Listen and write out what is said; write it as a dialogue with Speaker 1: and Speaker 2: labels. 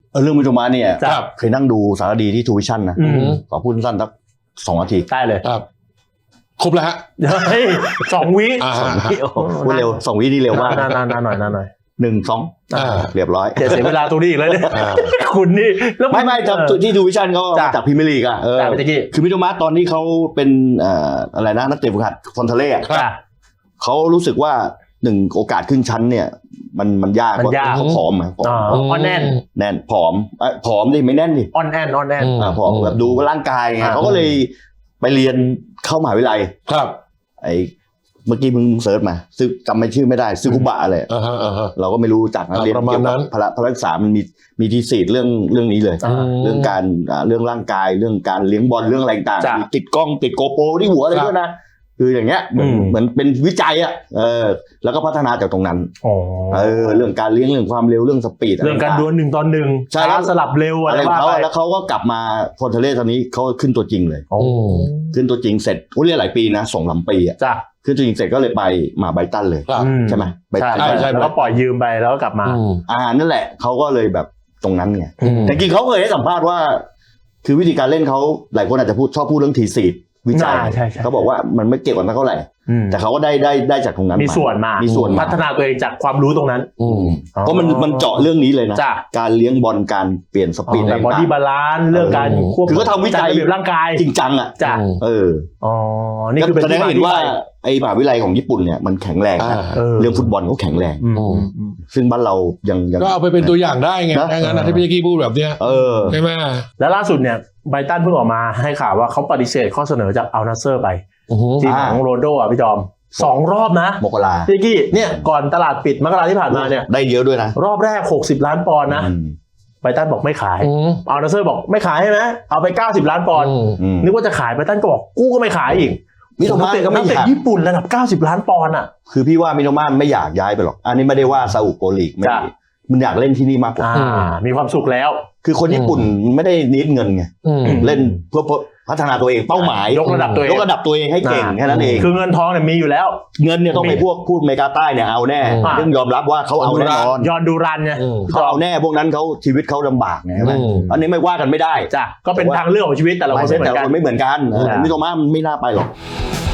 Speaker 1: เรื่องมิโตมะเนี่ย
Speaker 2: ครับ
Speaker 1: เคยนั่งดูสารคดีที่ทูวิชั่นนะขอพูดสั้นสัก2 นาที
Speaker 2: ได้เลย
Speaker 3: ครับครบแล้วฮะ
Speaker 2: เฮ้ย2 วิ
Speaker 1: พูดเร็ว2 วินี่เร็วมาก
Speaker 2: นานหน่อย
Speaker 1: 1 2เรียบร้อย
Speaker 2: เสียเวลาตรงนี้อีกแล้วเนี่ยคุณนี่แล้ว
Speaker 1: ไม่ที่ทูวิชั่นเขาจากพรีเมียร์ลีกอ่ะคือมิโตมะตอนที่เขาเป็นอะไรนะนักเตะฝึกหัดฟอนเทเล่เขารู้สึกว่า1โอกาสขึ้นชั้นเนี่ยมันยากเพราะเขาผอม
Speaker 2: อ่อนแน่น
Speaker 1: ผอมดิไม่แน่นดิ
Speaker 2: อ่อนแน่น
Speaker 1: ผอมแบบดูร่างกายไงเขาก็เลยไปเรียนเข้ามหาวิทยาลัย
Speaker 3: ครับ
Speaker 1: ไอ้เมื่อกี้มึงเซิร์ชมาซึ่งจำไม่ชื่อไม่ได้ซึคุบะอะไรเราก็ไม่รู้จักนะเรียนเกี่ยวกับพละศึกษามันมีทีสิทธิ์เรื่องนี้เลยเรื่องการเรื่องร่างกายเรื่องการเลี้ยงบอลเรื่องอะไรต่างๆติดกล้องติดโกโปรที่หัวอะไรด้วยนะคืออย่างเงี้ยเหมือนเป็นวิจัยอ่ะแล้วก็พัฒนาจากตรงนั้นเรื่องการเลี้ยงเรื่องความเร็วเรื่องสปีด
Speaker 2: เรื่องการดวล1 ต่อ 1ช้าสลับเร็วอะไร
Speaker 1: ของเขาแล้วเขาก็กลับมาฟอนเทเล่ตอนนี้เขาขึ้นตัวจริงเลยขึ้นตัวจริงเสร็จเรียนหลายปีนะ2-3 ปีอ่ะขึ้นตัวจริงเสร็จก็เลยไปมาไบรตันเลยใช่ไหม
Speaker 2: ใช่แล้วก็ปล่อยยืมไปแล้วก็กลับมา
Speaker 1: นั่นแหละเขาก็เลยแบบตรงนั้นไงแต่จริงเขาเคยให้สัมภาษณ์ว่าคือวิธีการเล่นเขาหลายคนอาจจะชอบพูดเรื่องทีซีดวิจัยเขาบอกว่ามันไม่เก่งกว่านั้นเท่าไหร่แต่เขาก็ได้จากตรงนั้น
Speaker 2: มีส่วนพัฒนาตัวเองจากความรู้ตรงนั้น
Speaker 1: เพราะมันเจาะเรื่องนี้เลยนะการเลี้ยงบอลการเปลี่ยนสปีด
Speaker 2: บอดี้บาลานซ์เรื่องการควบคุม
Speaker 1: คือเขาทำวิจัย
Speaker 2: ร่างกาย
Speaker 1: จริงจังอ่ะ
Speaker 2: นี่คือ
Speaker 1: แสดงให้เห็นว่าไอ้มหาวิทยาลัยของญี่ปุ่นเนี่ยมันแข็งแรงนะเรื่องฟุตบอลเขาแข็งแรงซึ่งบ้านเรายัง
Speaker 3: ก็เอาไปเป็นตัวอย่างได้ไงงั้นที่พี่กี้พูดแบบเนี้ยใช่ไหม
Speaker 2: แล้วล่าสุดเนี่ยไบรตันเพิ่งออกมาให้ข่าวว่าเขาปฏิเสธข้อเสนอจากอัลนัสเซอร์ไปทีมของโรนลโดอ่ะพี่จอม2 รอบนะ
Speaker 1: มกรา
Speaker 2: พี่กี้เนี่ยก่อนตลาดปิดมกราที่ผ่านมาเนี่ย
Speaker 1: ได้เยอะด้วยนะ
Speaker 2: รอบแรก60 ล้านปอนด์นะไบรตันบอกไม่ขายอัลนัสเซอร์บอกไม่ขายใช่ไหมเอาไป90 ล้านปอนด์นึกว่าจะขายไบรตันก็บอกกูก็ไม่ขายอีก
Speaker 1: มิโตมะก็ไม่อยาก
Speaker 2: ญี่ปุ่นระดับ90 ล้านปอนด์อ่ะ
Speaker 1: คือพี่ว่ามิโตมะไม่อยากย้ายไปหรอกอันนี้ไม่ได้ว่าซาอุโปรลีกไม่มันอยากเล่นที่นี่มากกว่า
Speaker 2: มีความสุขแล้ว
Speaker 1: คือคนญี่ปุ่นไม่ได้นิดเงินไงเล่นเพื่อพัฒนาตัวเองเป้าหมาย
Speaker 2: ยกระดับตัว
Speaker 1: เองให้เก่งแค่นั้นเอง
Speaker 2: คือเงินทองเนี่ยมีอยู่แล้ว
Speaker 1: เงินเนี่ยต้องไปพูดอเมริกาใต้เนี่ยเอาแน่ต้องยอมรับว่าเขาเอาแน่นอน
Speaker 2: ยอนดูรันเนี่ย
Speaker 1: เขาเอาแน่พวกนั้นเขาชีวิตเขาลำบากไงใช่ไหมอันนี้ไม่ว่ากันไม่ได้
Speaker 2: จ้ะก็เป็นทางเลือกของชีวิตแต่ละคนไม่เหมือนกัน
Speaker 1: มิโตมะไม่น่าไปหรอก